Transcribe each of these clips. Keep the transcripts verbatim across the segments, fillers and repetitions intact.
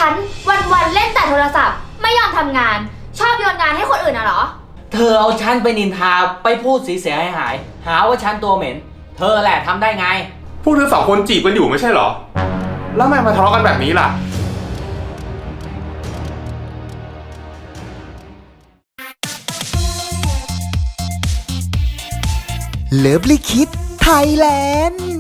ฉันวันๆเล่นแต่โทรศัพท์ไม่ยอมทำงานชอบโยนงานให้คนอื่นน่ะเหรอเธอเอาฉันไปนินทาไปพูดเสียหายหายหาว่าฉันตัวเหม็นเธอแหละทำได้ไงพวกเธอสองคนจีบกันอยู่ไม่ใช่เหรอแล้วทำไมมาทะเลาะกันแบบนี้ล่ะเลิฟลิคิดไทยแลนด์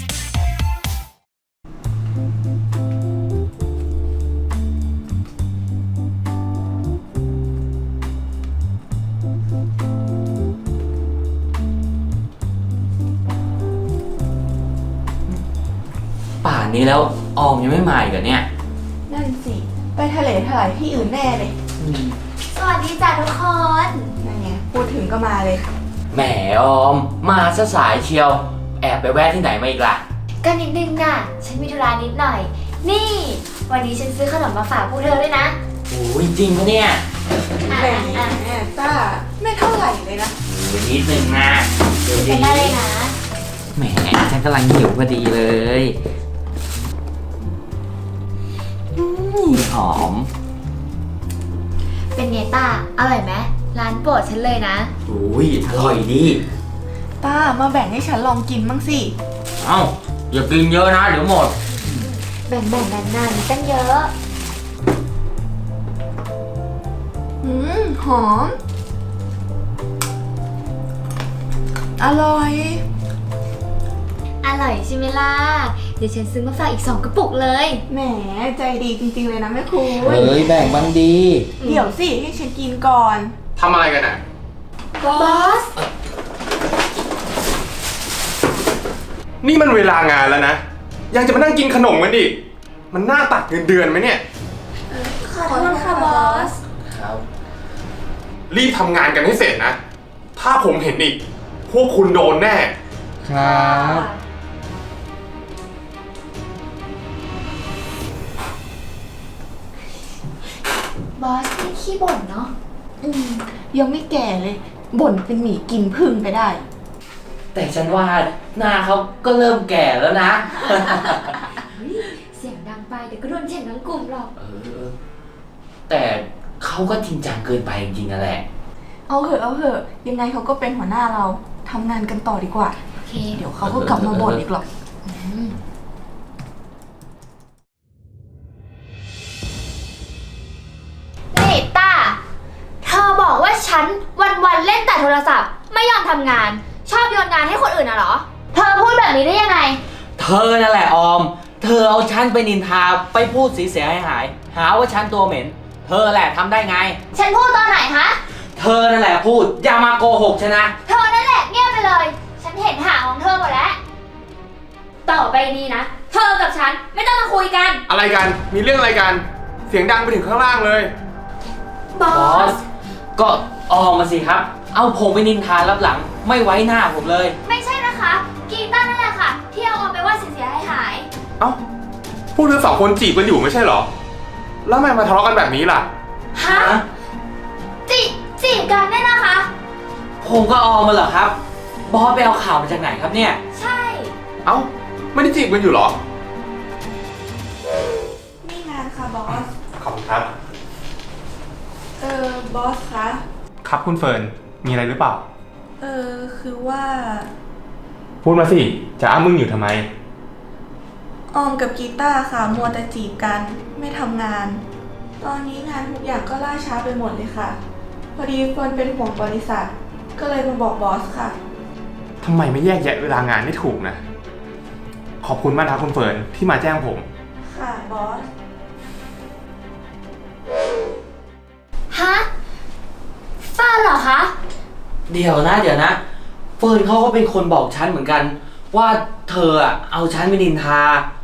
ป่านนี้แล้วออมยังไม่มาอีกเหรอเนี่ยนั่นสิไปทะเลถลายที่อื่นแน่เลยสวัสดีจ้ะทุกคนนั่นไงพูดถึงก็มาเลยแหมออมมาซะสายเชียวแอบไปแวะที่ไหนมาอีกล่ะก็นิดนึงน่ะฉันมีธุระนิดหน่อยนี่วันนี้ฉันซื้อขนมมาฝากพวกเธอด้วยนะโอ้ยจริงปะเนี่ยแหมต้าไม่เท่าไหร่เลยนะโอ้ยนิดนึงนะเดี๋ยวเป็นได้เลยนะแหมฉันกำลังหิวพอดีเลยหอมเป็นไงต้าอร่อยไหมร้านโปรดฉันเลยนะโอ้ยอร่อยดีต้ามาแบ่งให้ฉันลองกินบ้างสิเอ้าอย่ากินเยอะนะเดี๋ยวหมดแบ่งๆนานๆตั้งเยอะอืมหอมอร่อยอร่อยใช่ไหมล่ะเดี๋ยวฉันซื้อมาฝากอีกสองกระปุกเลยแหมใจดีจริงๆเลยนะแม่ครูเฮ้ยแบ่งบ้างดีเดี๋ยวสิให้ฉันกินก่อนทำอะไรกันน่ะบอสนี่มันเวลางานแล้วนะยังจะมานั่งกินขนมกันอีกมันน่าตัดเงินเดือนไหมเนี่ยขอโทษค่ะบอสครับรีบทำงานกันให้เสร็จนะถ้าผมเห็นอีกพวกคุณโดนแน่ครับบอสนี่ขี้บ่นเนาะอืมยังไม่แก่เลยบ่นเป็นหมีกินพึ่งไปได้แต่ฉันว่าหน้าเขาก็เริ่มแก่แล้วนะเสียงดังไปเดี๋ยวก็โดนเช็ดทั้งกลุ่มหรอกเออแต่เขาก็จริงจังเกินไปจริงๆนั่นแหละเอาเหอะเอาเหอะยังไงเขาก็เป็นหัวหน้าเราทำงานกันต่อดีกว่าโอเคเดี๋ยวเขาก็กลับมาบ่นอีกหรอกนี่ต้าเธอบอกว่าฉันวันๆเล่นแต่โทรศัพท์ไม่ยอมทำงานชอบโยนงานให้คนอื่นน่ะเหรอเธอพูดแบบนี้ได้ยังไงเธอนั่นแหละออมเธอเอาฉันไปนินทาไปพูดเสียหายหายหาว่าฉันตัวเหม็นเธอแหละทำได้ไงฉันพูดตอนไหนฮะเธอนั่นแหละพูดอย่ามาโกหกฉันนะเธอนั่นแหละเงียบไปเลยฉันเห็นหางของเธอหมดแล้วต่อไปนี้นะเธอกับฉันไม่ต้องมาคุยกันอะไรกันมีเรื่องอะไรกันเสียงดังไปถึงข้างล่างเลยบอสก็ออมมาสิครับเอาผมไปนินทารับหลังไม่ไว้หน้าผมเลยไม่ใช่นะคะกีต้านั่นแหละค่ะที่เอาออมไปว่าเสียหายหายเอ้าพวกเธอสองคนจีบกันอยู่ไม่ใช่เหรอแล้วทำไมมาทะเลาะกันแบบนี้ล่ะฮะจีจีบกันเนี่ยนะคะผมก็ออมมาเหรอครับบอสไปเอาข่าวมาจากไหนครับเนี่ยใช่เอ้าไม่ได้จีบกันอยู่เหรอนี่งานค่ะบอสขอบคุณครับเออบอสคะครับคุณเฟิร์นมีอะไรหรือเปล่าเออคือว่าพูดมาสิจะอ้ามึงอยู่ทำไมออมกับกีตาร์ค่ะมัวแต่จีบกันไม่ทำงานตอนนี้งานทุกอย่างก็ล่าช้าไปหมดเลยค่ะพอดีเฟิร์นเป็นห่วงบริษัทก็เลยมาบอกบอสค่ะทำไมไม่แยกแยะเวลางานให้ถูกนะขอบคุณมากนะคุณเฟิร์นที่มาแจ้งผมค่ะบอสฮะฟ้าเหรอคะเดี๋ยวนะเดี๋ยวนะเฟิร์นเขาก็เป็นคนบอกฉันเหมือนกันว่าเธออะเอาฉันไปนินทา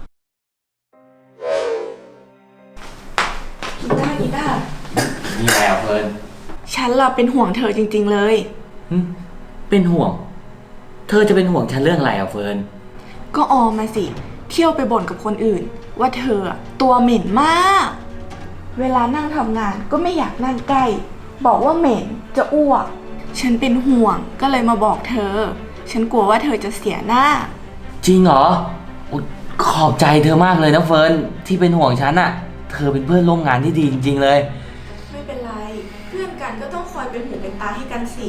กีตาร์กีตาร์นี่แหละเฟิร์นฉันเราเป็นห่วงเธอจริงๆเลยเป็นห่วงเธอจะเป็นห่วงฉันเรื่องอะไรอ่ะเฟิร์นก็ออมมาสิเที่ยวไปบ่นกับคนอื่นว่าเธอตัวเหม็นมากเวลานั่งทำงานก็ไม่อยากนั่งใกล้บอกว่าเหม็นจะอ้วกฉันเป็นห่วงก็เลยมาบอกเธอฉันกลัวว่าเธอจะเสียหน้าจริงเหรอขอบใจเธอมากเลยนะเฟิร์นที่เป็นห่วงฉันอ่ะเเธอเป็นเพื่อนร่วมงานที่ดีจริงๆเลยไม่เป็นไร เพื่อนกันก็ต้องคอยเป็นหูเป็นตาให้กันสิ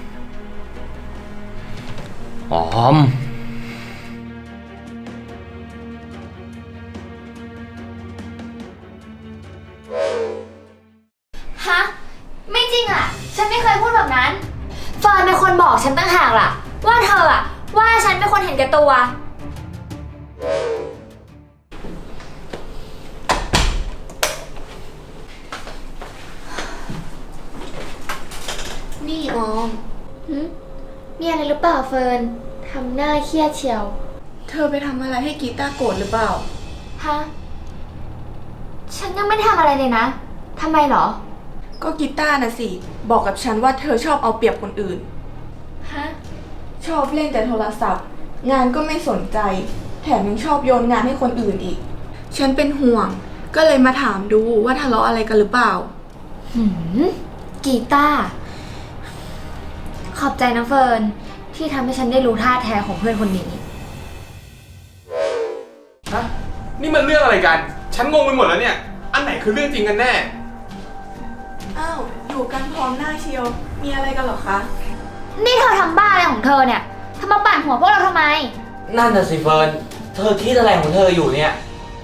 ออมฮะ ไม่จริงอ่ะ ฉันไม่เคยพูดแบบนั้นเฟิร์นเป็นคนบอกฉันตั้งหากล่ะ ว่าเธออ่ะ ว่าฉันเป็นคนเห็นแก่ตัว นี่ออมหึมีอะไรหรือเปล่าเฟิร์นทำหน้าเครียดเชียวเธอไปทำอะไรให้กีตาร์โกรธหรือเปล่าฮะ ฉันยังไม่ได้ทำอะไรเลยนะ ทำไมเหรอก็กีตาร์น่ะสิ บอกกับฉันว่าเธอชอบเอาเปรียบคนอื่นฮะชอบเล่นแต่โทรศัพท์ งานก็ไม่สนใจ แถมยังชอบโยนงานให้คนอื่นอีก ฉันเป็นห่วง ก็เลยมาถามดูว่าทะเลาะอะไรกันหรือเปล่าหืม กีตาร์ ขอบใจนะเฟิร์นที่ทำให้ฉันได้รู้ท่าแท้ของเพื่อนคนนี้ฮะ นี่มันเรื่องอะไรกัน ฉันงงไปหมดแล้วเนี่ย อันไหนคือเรื่องจริงกันแน่อ้าว อยู่กันพร้อมหน้าเชียว มีอะไรกันเหรอคะนี่เธอทำบ้าอะไรของเธอเนี่ยทำมาปั่นหัวพวกเราทำไมนั่นน่ะสิเฟิร์น เธอคิดอะไรของเธออยู่เนี่ย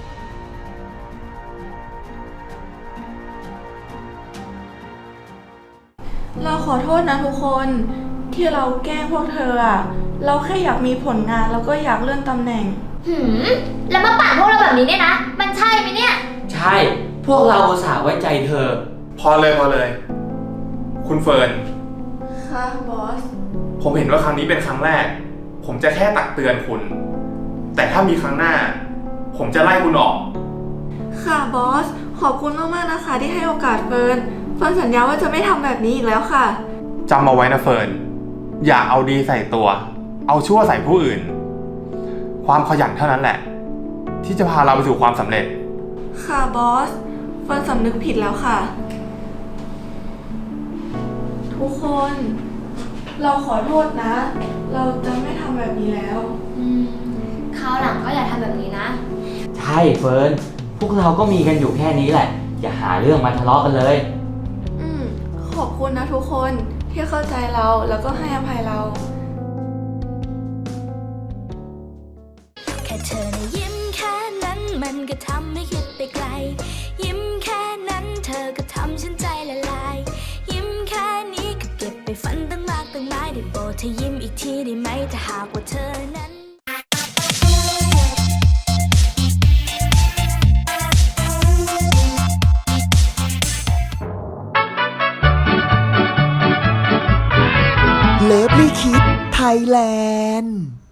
เราขอโทษนะทุกคน ที่เราแกล้งพวกเธออะเราแค่อยากมีผลงานแล้วก็อยากเลื่อนตำแหน่งหืม แล้วมาปั่นพวกเราแบบนี้เนี่ยนะ มันใช่ไหมเนี่ยใช่ พวกเราอุตส่าห์ไว้ใจเธอพอเลยพอเลย คุณเฟิร์นค่ะบอสผมเห็นว่าครั้งนี้เป็นครั้งแรก ผมจะแค่ตักเตือนคุณ แต่ถ้ามีครั้งหน้า ผมจะไล่คุณออกค่ะบอส ขอบคุณมากๆนะคะที่ให้โอกาสเฟิร์น เฟิร์นสัญญาว่าจะไม่ทำแบบนี้อีกแล้วค่ะจำเอาไว้นะเฟิร์น อย่าเอาดีใส่ตัว เอาชั่วใส่ผู้อื่น ความขยันเท่านั้นแหละ ที่จะพาเราไปสู่ความสำเร็จค่ะบอส เฟิร์นสำนึกผิดแล้วค่ะ ทุกคน เราขอโทษนะ เราจะไม่ทำแบบนี้แล้วอืม คราวหลังก็อย่าทำแบบนี้นะใช่เฟิร์น พวกเราก็มีกันอยู่แค่นี้แหละ อย่าหาเรื่องมาทะเลาะกันเลยอืม ขอบคุณนะทุกคนที่เข้าใจเราแล้วก็ให้อภัยเราแค่เธอนะยิ้มแค่นั้นมันก็ทำให้คิดไปไกล ยิ้มแค่นั้นเธอก็ทำฉันใจละลาย ยิ้มแค่นี้ก็เก็บไปฝันตั้งมากตั้งหลายได้โปรดเธอยิ้มอีกทีได้ไหมถ้าหากว่าเธอนั้นเลิฟลี่คิดไทยแลนด์